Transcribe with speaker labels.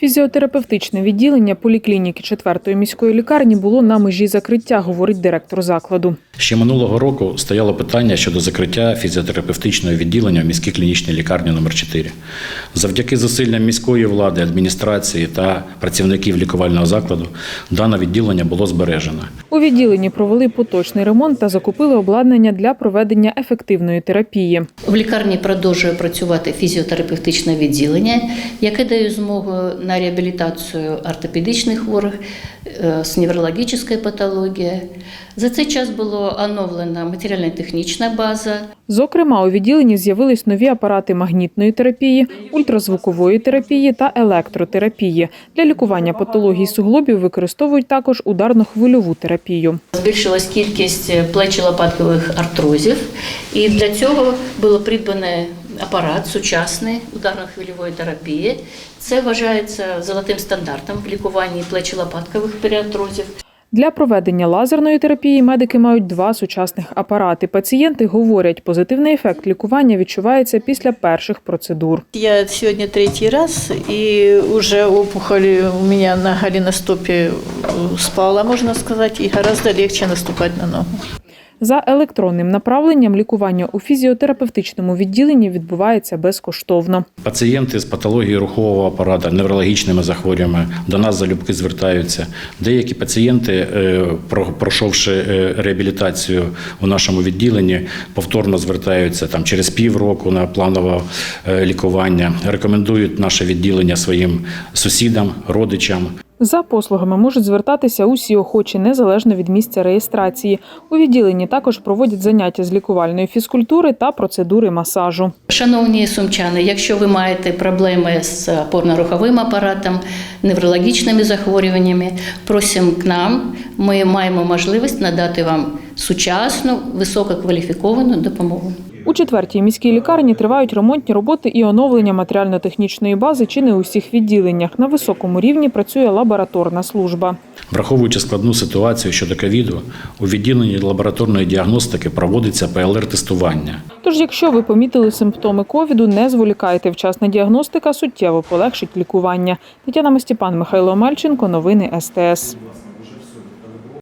Speaker 1: Фізіотерапевтичне відділення поліклініки 4-ї міської лікарні було на межі закриття, говорить директор закладу.
Speaker 2: Ще минулого року стояло питання щодо закриття фізіотерапевтичного відділення в міській клінічній лікарні номер 4. Завдяки зусиллям міської влади, адміністрації та працівників лікувального закладу дане відділення було збережено.
Speaker 1: У відділенні провели поточний ремонт та закупили обладнання для проведення ефективної терапії.
Speaker 3: В лікарні продовжує працювати фізіотерапевтичне відділення, яке дає змогу на реабілітацію ортопедичних хворих з неврологічною патологією. За цей час була оновлена матеріально-технічна база.
Speaker 1: Зокрема, у відділенні з'явились нові апарати магнітної терапії, ультразвукової терапії та електротерапії. Для лікування патологій суглобів використовують також ударно-хвильову терапію.
Speaker 3: Збільшилась кількість плечо-лопаткових артрозів, і для цього було придбаний апарат сучасний ударно-хвильової терапії. Це вважається золотим стандартом в лікуванні плечо-лопаткових періартрозів.
Speaker 1: Для проведення лазерної терапії медики мають 2 сучасних апарати. Пацієнти говорять, позитивний ефект лікування відчувається після перших процедур.
Speaker 4: Я сьогодні 3-й раз, і вже опухоль у мене на голеностопі спала, можна сказати, і гораздо легше наступати на ногу.
Speaker 1: За електронним направленням лікування у фізіотерапевтичному відділенні відбувається безкоштовно.
Speaker 2: Пацієнти з патологією рухового апарату, неврологічними захворюваннями до нас залюбки звертаються. Деякі пацієнти, пройшовши реабілітацію у нашому відділенні, повторно звертаються через півроку на планове лікування. Рекомендують наше відділення своїм сусідам, родичам.
Speaker 1: За послугами можуть звертатися усі охочі, незалежно від місця реєстрації. У відділенні також проводять заняття з лікувальної фізкультури та процедури масажу.
Speaker 3: Шановні сумчани, якщо ви маєте проблеми з опорно-руховим апаратом, неврологічними захворюваннями, просимо к нам. Ми маємо можливість надати вам сучасну, висококваліфіковану допомогу.
Speaker 1: У 4-й міській лікарні тривають ремонтні роботи і оновлення матеріально-технічної бази чи не у всіх відділеннях. На високому рівні працює лабораторна служба.
Speaker 2: Враховуючи складну ситуацію щодо ковіду, у відділенні лабораторної діагностики проводиться ПЛР-тестування.
Speaker 1: Тож, якщо ви помітили симптоми ковіду, не зволікайте. Вчасна діагностика суттєво полегшить лікування. Тетяна Мастіпан, Михайло Омельченко. Новини СТС.